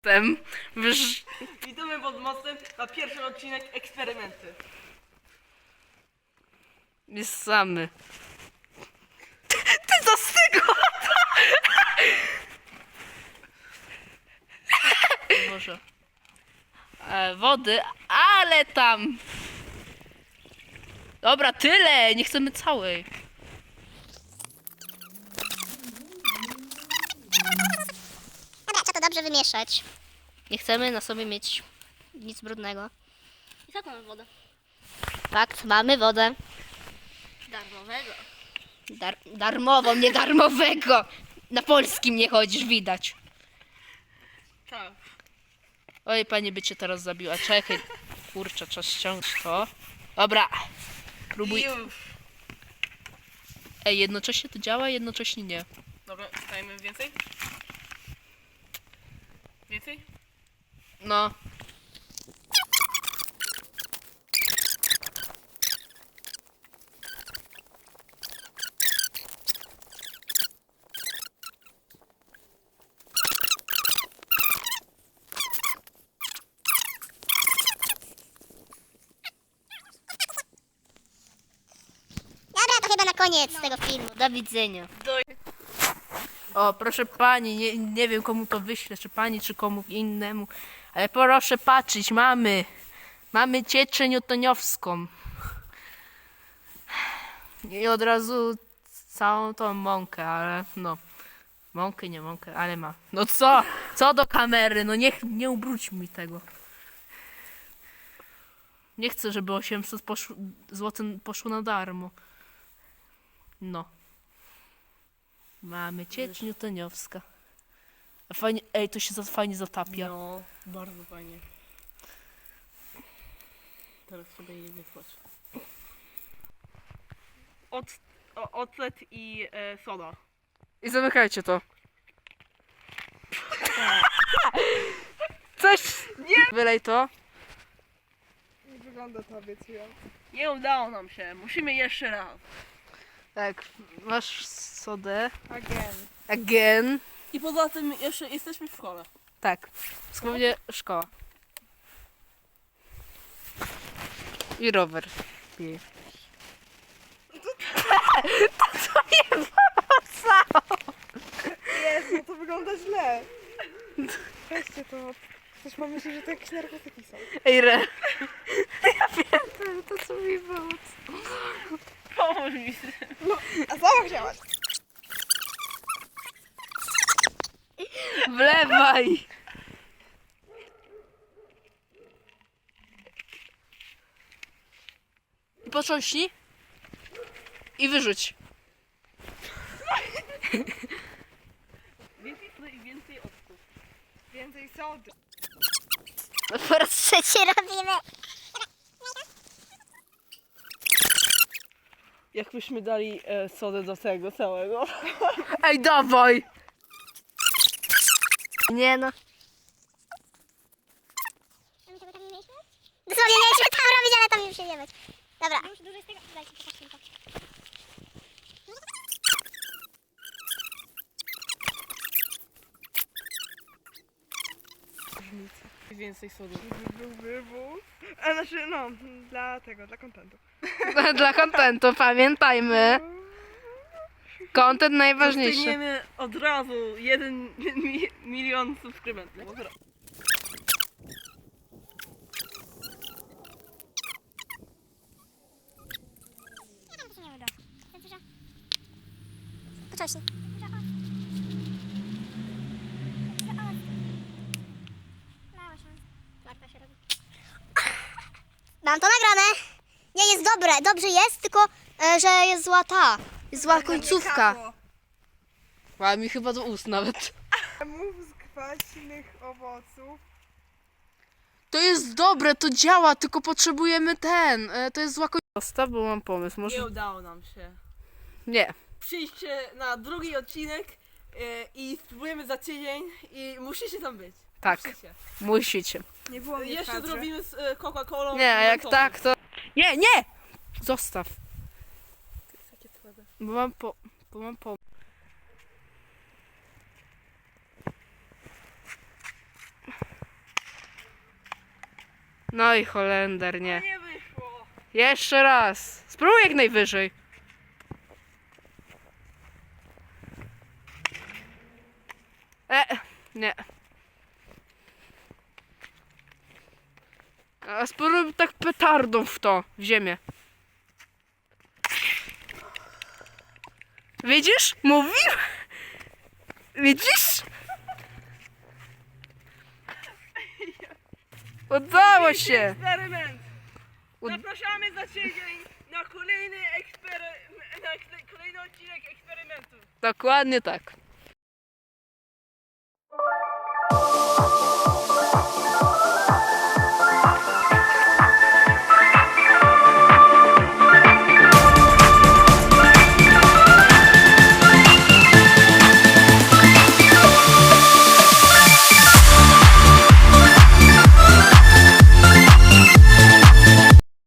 mostem. Witamy pod mostem na pierwszy odcinek eksperymenty. Jest samy. Ty co z tego? Może. Wody, ale tam. Dobra, tyle. Nie chcemy całej. Dobra, trzeba to dobrze wymieszać. Nie chcemy na sobie mieć nic brudnego. I tak mamy wodę. Fakt, mamy wodę. Darmowego. Darmową, nie darmowego. Na polskim nie chodzisz, widać. Tak. Oj, pani by cię teraz zabiła. Czekaj. Kurczę, trzeba ściągnąć to. Dobra. Próbuj. I już. Ej, jednocześnie to działa, jednocześnie nie. Dobra, dajmy więcej? Więcej? No. Dobra, to chyba na koniec tego filmu. Do widzenia. O, proszę pani, nie wiem komu to wyślę, czy pani, czy komu innemu, ale proszę patrzeć, mamy cieczę newtoniowską. I od razu całą tą mąkę, ale no, mąkę, nie mąkę, ale ma. No co do kamery, no nie ubróć mi tego. Nie chcę, żeby 800 zł poszło na darmo. No. Mamy ciecz newtoniowska. A fajnie, ej, to się fajnie zatapia. No, bardzo fajnie. Teraz sobie je wysłać. Ocet i soda. I zamykajcie to. Coś! Nie! Wylej to. Nie wygląda to, obiecuję. Nie udało nam się, musimy jeszcze raz. Tak, masz sodę. Again. Again. I poza tym jeszcze jesteśmy w szkole. Tak. Słownie szkoła. I rower. I... To nie wracało. Jest, no to wygląda źle. Weźcie to. Ktoś ma myśli, że to jakieś narkotyki są. Ej, ja wiem, to co mi było. Pomóż mi z tym. No, a sama chciałaś. Wlewaj! I potrząśnij. I wyrzuć. Więcej sody i więcej octu. Więcej sody. Po raz trzeci robimy. Jakbyśmy dali sodę do tego całego. Ej, dawaj! Nie no. Dosłownie mieliśmy tam robić, ale tam już się nie być. Dobra. Dużo jest tego. Dajcie, popatrzmy to. Więcej sody. Był wywóz. A znaczy, no, dla tego, dla kontentu. Dla kontentu, pamiętajmy. Content najważniejszy. Dostaniemy od razu 1 milion subskrybentów. Od razu. Poczośnie. Mam to nagrane. Nie, jest dobre. Dobrze jest, tylko że jest zła ta. Jest zła końcówka. A mi chyba do ust nawet. Mów z kwaśnych owoców. To jest dobre, to działa, tylko potrzebujemy to jest zła końcówka. Zostaw, bo mam pomysł, może... Nie udało nam się. Nie. Przyjdźcie na drugi odcinek i spróbujemy za tydzień i musicie tam być. Tak. Musicie. Musicie. Nie było mnie w Jeszcze kadrze. zrobimy z Coca-Colą. Nie, a jak mentolem. tak, to... Nie, nie! Zostaw. To jest takie twarde. Bo mam pomysł. No i Holender, nie. Nie wyszło. Jeszcze raz. Spróbuj jak najwyżej. Nie. A spróbuj tak petardą w to, w ziemię. Widzisz? Mówił? Widzisz? Udało się! Eksperyment. Ud- Zapraszamy za tydzień na kolejny odcinek eksperymentu. Dokładnie tak.